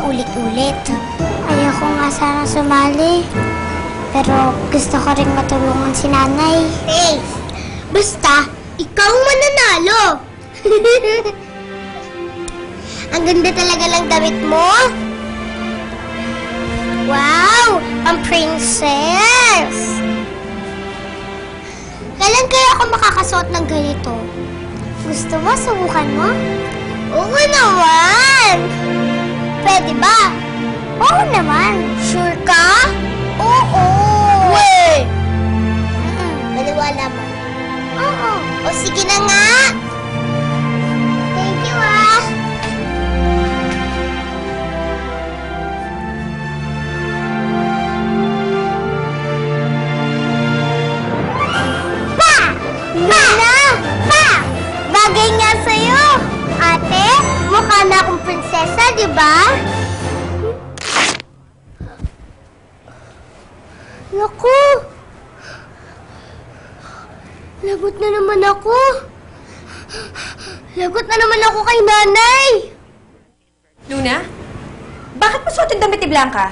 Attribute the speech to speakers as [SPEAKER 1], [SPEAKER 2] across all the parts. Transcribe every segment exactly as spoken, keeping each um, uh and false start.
[SPEAKER 1] paulit-ulit. Ayoko nga sana sumali. Pero gusto ko rin matulungan si nanay. Hey! Basta, ikaw ang mananalo! Ang ganda talaga ng damit mo! Wow! Ang princess! Kailan kaya ako makakasuot ng ganito? Gusto mo? Subukan mo? Oo naman! Pwede ba? Oo naman. Sure ka? Oo! Wait! Maniwala mo. Oo. O sige na nga! Thank you ah! Pa! Nana! Pa! Bagay nga sa'yo! Ate, mukha na akong prinsesa, di ba? Naku! Lagot na naman ako. Lagot na naman ako kay nanay.
[SPEAKER 2] Luna? Bakit mo suotin damit ni Blanca?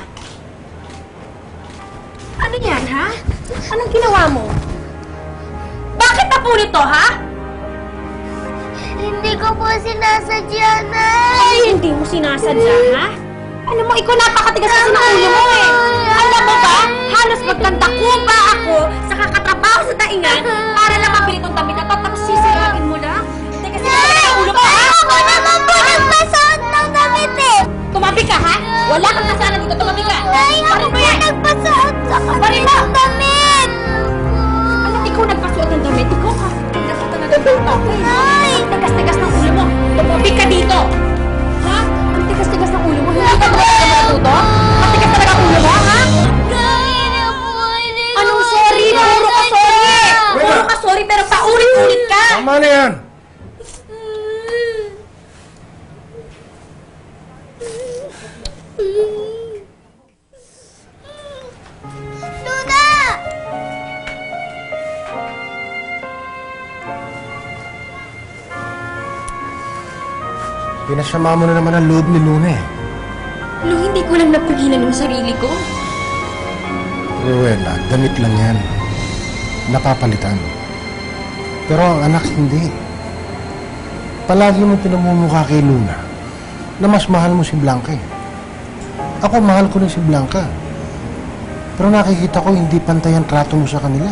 [SPEAKER 2] Ano yan, ha? Anong ginawa mo? Bakit napunit to, ha?
[SPEAKER 1] Hindi ko po sinasadya, Nay.
[SPEAKER 2] Ay, hindi mo sinasadya, ha? Alam mo, ikaw napakatigas kasi ng ulo mo, eh. Alam mo ba, halos magkandako pa ako sa kakatrabaho sa daingan para lang mabili tong damit na to, tapos sisirapin mo lang. Hindi kasi naman ang ulo mo, ha?
[SPEAKER 1] Ako naman po nagpasuot ng damit eh.
[SPEAKER 2] Tumabi ka, ha? Wala kang kasalanan dito, tumabi ka.
[SPEAKER 1] Nay, ako
[SPEAKER 2] Parin mo
[SPEAKER 1] po
[SPEAKER 2] yan.
[SPEAKER 1] nagpasuot sa
[SPEAKER 2] Parin mo.
[SPEAKER 1] ng damit.
[SPEAKER 2] Alam, ikaw nagpasuot ng damit. Ikaw ka. Tigas ka talaga ng ulo.
[SPEAKER 1] Nay.
[SPEAKER 2] Ang tigas-tigas ng ulo mo. Tumabi ka dito. Ha? Ang tigas-tigas ng ulo mo. Hindi ka ba matuto? Ang tigas talaga ang ulo mo, ha?
[SPEAKER 1] Nay na po. Hindi ko
[SPEAKER 2] Anong
[SPEAKER 1] po
[SPEAKER 2] sorry? Puro ka sorry! Puro ka sorry pero paulit-ulit ka!
[SPEAKER 3] Tama na yan!
[SPEAKER 1] Luna!
[SPEAKER 3] Pinasama mo na naman ang loob ni Luna eh.
[SPEAKER 2] Lo, hindi ko lang napigilan yung sarili ko.
[SPEAKER 3] Ruela, damit lang yan. Napapalitan. Pero ang anak hindi. Palagi mo pinamumukha kay Luna na mas mahal mo si Blanca eh. Ako mahal ko rin si Blanca. Pero nakikita ko hindi pantay ang trato mo sa kanila.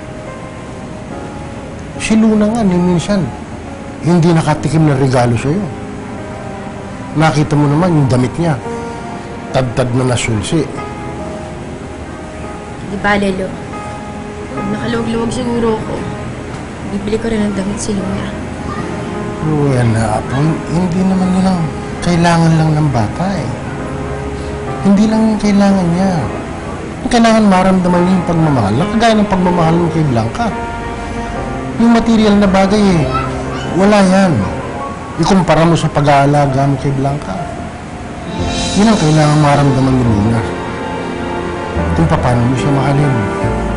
[SPEAKER 3] Si Luna nga ni minsan hindi nakatikim ng regalo sa'yo. Nakita mo naman yung damit niya. Tad-tad na nasulsi.
[SPEAKER 2] Di ba, Lelo? Nakaluwag-luwag siguro ako. Bibili ko rin ng damit si Luna.
[SPEAKER 3] Ruela, Apo, hindi naman yun ang kailangan lang ng bata eh. Hindi lang yung kailangan niya. Yung kailangan maramdaman niya yung pagmamahal na kagaya ng pagmamahal mo kay Blanca. Yung material na bagay eh, wala yan. Ikumpara mo sa pag-aalaga mo kay Blanca. Yun ang kailangan maramdaman ni Luna. Kung paano mo siya mahalin.